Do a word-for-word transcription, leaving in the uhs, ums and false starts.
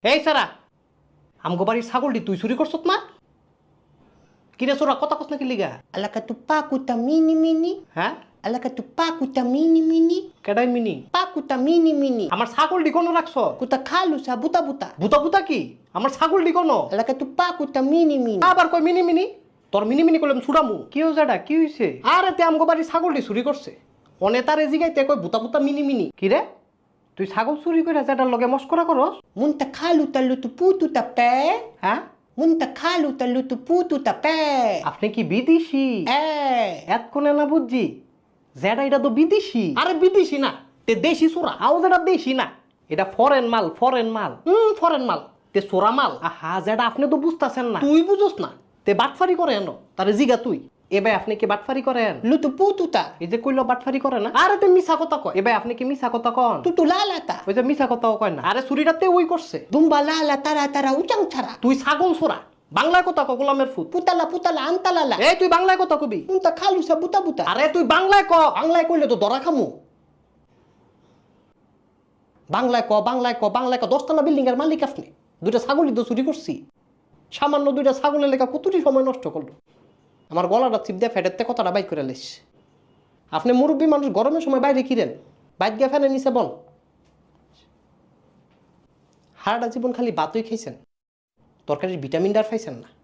এই সারা আমগো বাড়ির ছাগলটি তুই চুরি করছত না? কিরে চোরা কথা কস না কি লিগা? Alaka tu pakuta mini mini. হ্যাঁ Alaka tu pakuta mini mini. কেডাই মিনি? Pakuta mini mini. আমার ছাগলটি কোনো রাখছ? Kuta kalu sa buta buta. বুতা বুতা কি? আমার ছাগলটি কোনো? Alaka tu pakuta mini mini. আবার কই মিনি মিনি? তোর মিনি মিনি করলাম ছুড়ামু। কি হইছে এটা? কি হইছে? আরে তে আমগো বাড়ির ছাগলটি চুরি করছে। অনে তারে জিগাইতে কই বুতা বুতা মিনি মিনি। কি রে? তুই ছাগল চুরি করে যেটার লগে মস্করা করস? Munta kalu ta lutu putu ta pe. হ্যাঁ Munta kalu ta lutu putu ta pe. আপনি কি বিদেশি? Eh. এতক্ষণে না বুঝছি যেটা এটা তো বিদেশি। আরে বিদেশি না, তে দেশি চোরা। আও যেটা দেশি না, এটা ফরেন মাল, ফরেন মাল। হুম ফরেন মাল, তে চোরা মাল। আহা যেটা আপনি তো বুঝতাছেন না। তুই বুঝোস না, তে বাটফারি করে এনো। তারে জিগা তুই এবার আপনি কি বাটফারি করেন? Lutu putu ta. এই যে কইলো বাটফারি করে না, আরে তে মিছা কথা কয়। এবার আপনি কি মিছা কথা কন? Tutu lala ta. ওই যে মিছা কথাও কয় না। আরে চুরিটাতে ওই করছে। Dumba lala tara tara uchang chara. তুই ছাগল চোরা, বাংলায় কথা ক গোলামের ফুট। Putala putala antalala. এই তুই বাংলায় কথা কবি। Munta kalu sa buta buta. আরে তুই বাংলায় ক, বাংলায় কইলে তো ধরা খামু। বাংলায় ক, বাংলায় ক, বাংলায় ক। দশতলা বিল্ডিং এর মালিক আপনি। দুইটা ছাগলই তো চুরি করছি। সামান্য দুইটা ছাগলের লেখা কতটি সময় নষ্ট করলো। আমার গলাটা চিপ দিয়ে ফেটেতে কথাটা বাইক করে লেস। আপনি মুরব্বী মানুষ, গরমের সময় বাইরে কিরেন? বাইক গিয়ে ফ্যানের নিচে বল। সারাটা জীবন খালি ভাতই খাইছেন, তরকারির ভিটামিন ডার পাইছেন না।